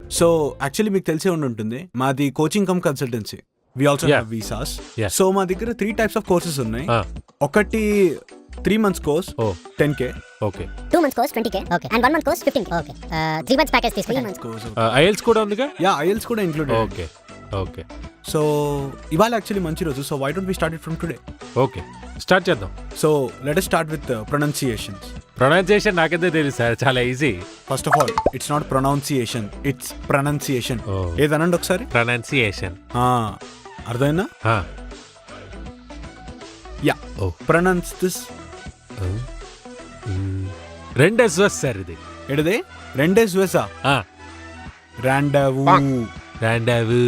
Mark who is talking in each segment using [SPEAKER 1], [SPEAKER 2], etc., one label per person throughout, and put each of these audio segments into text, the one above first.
[SPEAKER 1] So actually మీకు తెలిసే ఉంటుంది మాది coaching cum consultancy. We also have visas. So మా దగ్గర 3 types of కోర్సెస్ ఉన్నాయి. ఒకటి 3 months course 10K.
[SPEAKER 2] Okay.
[SPEAKER 3] 2 months course 20K. Okay. And 1 month course 15K. Okay. 3 months package తీసుకుంటాం.
[SPEAKER 2] IELTS కూడా ఉందిగా?
[SPEAKER 1] యా, ఐఎల్స్ కూడా ఇంక్లూడెడ్.
[SPEAKER 2] Okay okay.
[SPEAKER 1] సో ఇవాళ actually మంచి రోజు. So why don't we start it from today?
[SPEAKER 2] Okay, start చేద్దాం.
[SPEAKER 1] So let us start with pronunciations.
[SPEAKER 2] Pronunciation నాకైతే తెలుసు సార్, చాలా easy.
[SPEAKER 1] First of all it's not pronunciation, it's pronunciation. ఏదనండి ఒకసారి.
[SPEAKER 2] Pronunciation.
[SPEAKER 1] అర్థమైందా? Yeah. Pronounce this.
[SPEAKER 2] 2 SOS sir ఇది.
[SPEAKER 1] ఎడదే 2 SOS. రాండవు.
[SPEAKER 2] రాండవు.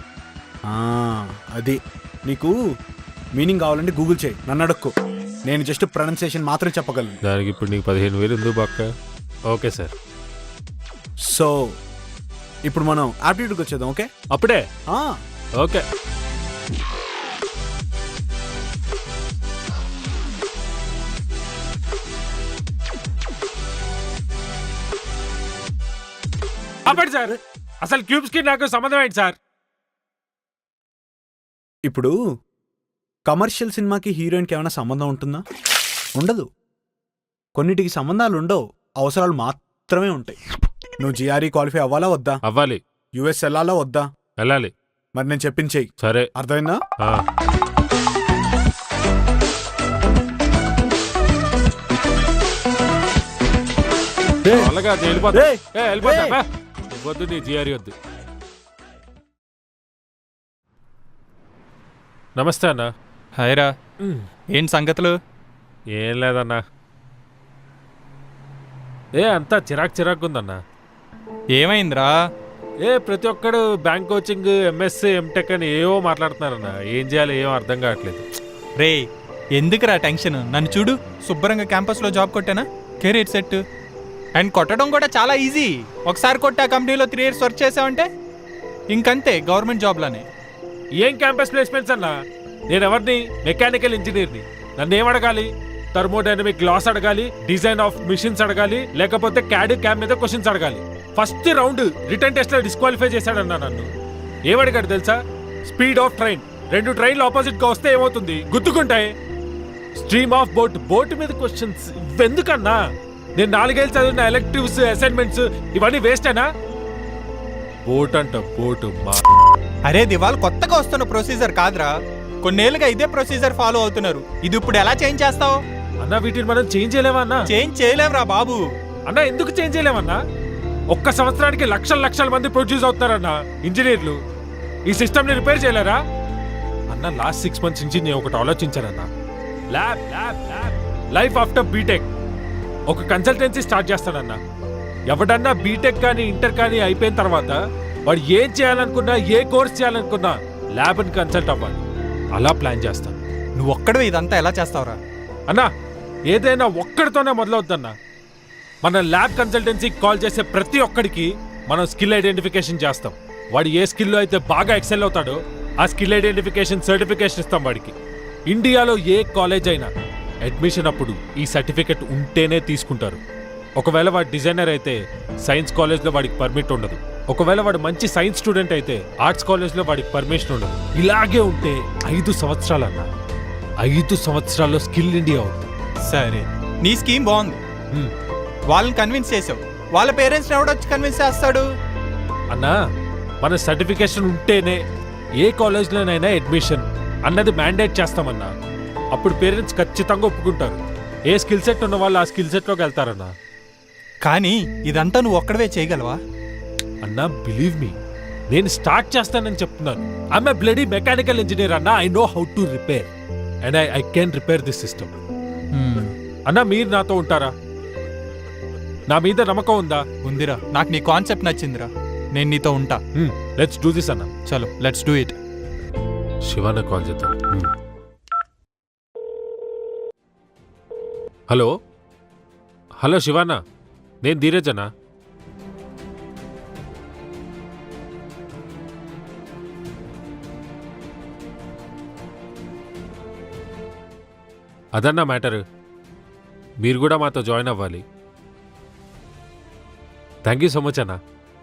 [SPEAKER 1] అది నీకు మీనింగ్ కావాలంటే గూగుల్ చేయి, నన్ను అడక్కు. నేను జస్ట్ ప్రొనౌన్సియేషన్ మాత్రం చెప్పగలను.
[SPEAKER 2] దానికి ఇప్పుడు నీకు 15,000 ఎందుకు పక్క? Okay sir.
[SPEAKER 1] సో ఇప్పుడు మనం ఆప్టిట్యూడ్కి వచ్చేద్దాం. ఓకే,
[SPEAKER 2] అప్పుడే. ఓకే. అప్పటి సార్, అసలు క్యూబ్స్ కి నాకు సంబంధం ఏంటి సార్?
[SPEAKER 1] ఇప్పుడు కమర్షియల్ సినిమాకి హీరోయిన్కి ఏమైనా సంబంధం ఉంటుందా? ఉండదు. కొన్నిటికి సంబంధాలు ఉండవు, అవసరాలు మాత్రమే ఉంటాయి. నువ్వు జిఆర్ఈ క్వాలిఫై అవ్వాలా వద్దా?
[SPEAKER 2] అవ్వాలి.
[SPEAKER 1] యుఎస్ వెళ్ళాలా వద్దా?
[SPEAKER 2] వెళ్ళాలి.
[SPEAKER 1] మరి నేను చెప్పింది చెయ్యి.
[SPEAKER 2] సరే,
[SPEAKER 1] అర్థమైందా?
[SPEAKER 2] అలాగా వెళ్ళిపోతా. వద్దు, నీ జిఆర్ఈ వద్దు. నమస్తే అన్న.
[SPEAKER 4] హాయ్ రా. ఏంటి సంగతులు?
[SPEAKER 2] ఏం లేదన్నా, అంతా చిరాకు ఉందన్నా.
[SPEAKER 4] ఏమైందిరా?
[SPEAKER 2] ప్రతి ఒక్కడు బ్యాంక్ కోచింగ్, ఎంఎస్సీ, ఎంటెక్ అని ఏవో మాట్లాడుతున్నారన్నా. ఏం చేయాలి ఏమో అర్థం కావట్లేదు.
[SPEAKER 4] రే, ఎందుకురా టెన్షన్? నన్ను చూడు, శుభ్రంగా క్యాంపస్లో జాబ్ కొట్టానా, కెరీర్ సెట్. అండ్ కొట్టడం కూడా చాలా ఈజీ. ఒకసారి కొట్టా కంపెనీలో 3 years వర్క్ చేసావంటే ఇంకంతే, గవర్నమెంట్ జాబ్లోనే.
[SPEAKER 2] ఏం క్యాంపస్ ప్లేస్మెంట్స్ అన్నా? నేను ఎవరిని? మెకానికల్ ఇంజనీర్ని. నన్ను ఏం అడగాలి? థర్మోడైనమిక్ లాస్ అడగాలి, డిజైన్ ఆఫ్ మిషన్స్ అడగాలి, లేకపోతే క్యాడ్ క్యామ్ మీద క్వశ్చన్స్ అడగాలి. ఫస్ట్ రౌండ్ రిటర్న్ టెస్ట్ లో డిస్క్వాలిఫై చేశాడన్నా నన్ను. ఏమడిగాడు తెలుసా? Speed of train. 2 ట్రైన్లు ఆపోజిట్ గా వస్తే ఏమవుతుంది? గుర్తుకుంటాయి. స్ట్రీమ్ ఆఫ్ బోట్ మీద క్వశ్చన్స్. ఇవెందుకన్నా? నేను 4 ఏళ్ళు చదివిన ఎలెక్టివ్స్, అసైన్మెంట్స్ ఇవన్నీ వేస్టేనా? బోట్ అంట, బోట్.
[SPEAKER 4] అరే దివాల్, కొత్తగా వస్తున్న ప్రొసీజర్ కాదురా, కొన్నేళ్ళుగా ఇదే ప్రొసీజర్ ఫాలో అవుతున్నారు. ఇది ఇప్పుడు ఎలా చేంజ్ చేస్తావు
[SPEAKER 2] అన్నా? వీటిని మనం చేంజ్ చేయలేమా అన్నా?
[SPEAKER 4] చేంజ్ చేయలేవురా బాబు.
[SPEAKER 2] అన్నా ఎందుకు చేంజ్ చేయలేమన్నా? ఒక్క సంవత్సరానికి లక్షల మంది ప్రొడ్యూస్ అవుతున్నారన్నా ఇంజనీర్లు. ఈ సిస్టమ్ ని రిపేర్ చేయలేరా అన్న? లాస్ట్ 6 months నుంచి నేను ఒకటి ఆలోచించానన్నా. Lab lab lab life after B Tech. ఒక కన్సల్టెన్సీ స్టార్ట్ చేస్తాడన్నా. ఎవడన్నా బీటెక్ కానీ ఇంటర్ కానీ అయిపోయిన తర్వాత వాడు ఏం చేయాలనుకున్నా, ఏ కోర్స్ చేయాలనుకున్నా ల్యాబ్ని కన్సల్ట్ అవ్వాలి. అలా ప్లాన్ చేస్తాను.
[SPEAKER 4] నువ్వు ఒక్కడు ఇదంతా ఎలా చేస్తావురా?
[SPEAKER 2] అన్నా, ఏదైనా ఒక్కడితోనే మొదలవుద్దన్నా. మన ల్యాబ్ కన్సల్టెన్సీకి కాల్ చేసే ప్రతి ఒక్కడికి మనం స్కిల్ ఐడెంటిఫికేషన్ చేస్తాం. వాడు ఏ స్కిల్లో అయితే బాగా ఎక్సెల్ అవుతాడో ఆ స్కిల్ ఐడెంటిఫికేషన్ సర్టిఫికేషన్ ఇస్తాం వాడికి. ఇండియాలో ఏ కాలేజ్ అయినా అడ్మిషన్ అప్పుడు ఈ సర్టిఫికెట్ ఉంటేనే తీసుకుంటారు. ఒకవేళ వాడు డిజైనర్ అయితే సైన్స్ కాలేజ్లో వాడికి పర్మిట్ ఉండదు. ఒకవేళ వాడు మంచి సైన్స్ స్టూడెంట్ అయితే ఆర్ట్స్ కాలేజ్లో వాడికి పర్మిషన్ ఉండదు. ఇలాగే ఉంటే 5 సంవత్సరాలన్నా. 5 సంవత్సరాల్లో స్కిల్ ఇండియా అవుతుంది.
[SPEAKER 4] సరే, నీ స్కీమ్ బాగుంది. వాళ్ళని కన్విన్స్ చేసావు. వాళ్ళ పేరెంట్స్ని ఎవడొచ్చి కన్విన్స్ చేస్తాడు?
[SPEAKER 2] అన్నా, మన సర్టిఫికేషన్ ఉంటేనే ఏ కాలేజ్లోనైనా అడ్మిషన్ అన్నది మ్యాండేట్ చేస్తామన్నా. అప్పుడు పేరెంట్స్ ఖచ్చితంగా ఒప్పుకుంటారు. ఏ స్కిల్ సెట్ ఉన్న వాళ్ళు ఆ స్కిల్ సెట్లోకి వెళ్తారన్నా.
[SPEAKER 4] కానీ ఇదంతా నువ్వు ఒక్కడవే చేయగలవా
[SPEAKER 2] అన్నా? బిలీవ్ మీ, నేను స్టార్ట్ చేస్తానని చెప్తున్నాను. I'm a bloody mechanical engineer అన్నా. I know how to repair and I can repair this system. అన్నా, మీరు నాతో ఉంటారా? నా మీద నమ్మకం ఉందా?
[SPEAKER 4] ఉందిరా, నాకు నీ కాన్సెప్ట్ నచ్చిందిరా. నేను నీతో ఉంటా.
[SPEAKER 2] లెట్స్ డూ దిస్ అన్నా.
[SPEAKER 4] చలో, let's do it.
[SPEAKER 2] Shivana call చేద్దాం. హలో శివానా, నేను ధీరజ్ అన్నా. అదన్నా మ్యాటర్. మీరు కూడా మాతో జాయిన్ అవ్వాలి. థ్యాంక్ యూ సో మచ్ అన్నా.